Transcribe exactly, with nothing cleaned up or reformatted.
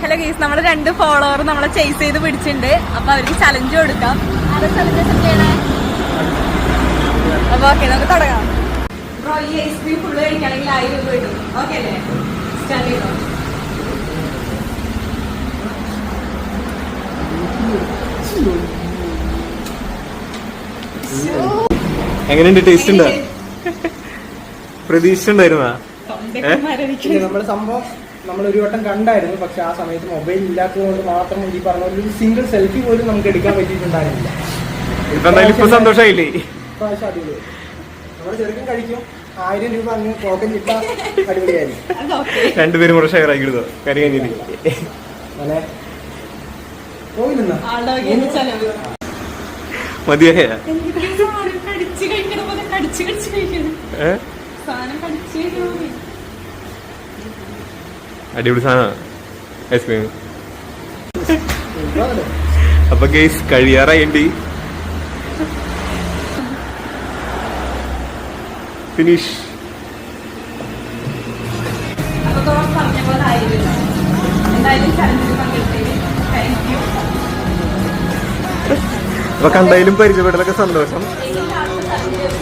Hello guys, നമ്മുടെ രണ്ട് follower നമ്മളെ ചേസ് ചെയ്ത് പിടിച്ചിട്ടുണ്ട്. അപ്പൊ അവർക്ക് ചലഞ്ച് കൊടുക്കാം. ആരെ ചലഞ്ച് അക്സെപ്റ്റ് ചെയ്യണേ? അപ്പൊ ഓക്കെ, നമുക്ക് തുടങ്ങാം. ബ്രോ, ഈ ഐസ്ക്രീം ഫുള്ള് കഴിക്കുകയാണെങ്കിൽ ആയിരം രൂപ കിട്ടും. ഓക്കെ അല്ലേ? സ്റ്റാർട്ട് ചെയ്തോ. എങ്ങനെയുണ്ട്? ടേസ്റ്റ് ഉണ്ടോ? പ്രതീക്ഷ ഉണ്ടായിരുന്ന നമ്മള് സംഭവം നമ്മൾ ഒരു വട്ടം കണ്ടായിരുന്നു. പക്ഷെ ആ സമയത്ത് മൊബൈൽ ഇല്ലാത്തത് കൊണ്ട് മാത്രം ഈ പറഞ്ഞ ഒരു സിംഗിൾ സെൽഫി പോലും നമുക്ക് എടുക്കാൻ പറ്റിയിട്ടുണ്ടായിരുന്നില്ല. ഇപ്പൊ എന്തായാലും ഇപ്പൊ സന്തോഷമായില്ലേ? പ്രാവശ്യം അടിപൊളി. നമ്മുടെ ചെറുക്കൻ കഴിക്കും. ആയിരം രൂപ അങ്ങ് പോക്കൻ കിട്ടാൻ അടിപൊളിയായിരിക്കും. രണ്ടുപേരും കൂടെ ഷെയർ ആക്കി എടുത്തോ കറി കഴിഞ്ഞിട്ട് അങ്ങനെ പോയില്ലെന്നാ മതിയായ അടിപൊളി സാധനമാണ് ഐസ്ക്രീം. അപ്പൊ ഗൈസ് കഴിയാറായി. ഫിനിഷ്. അപ്പൊ കണ്ടായാലും പരിചയപ്പെടലൊക്കെ സന്തോഷം.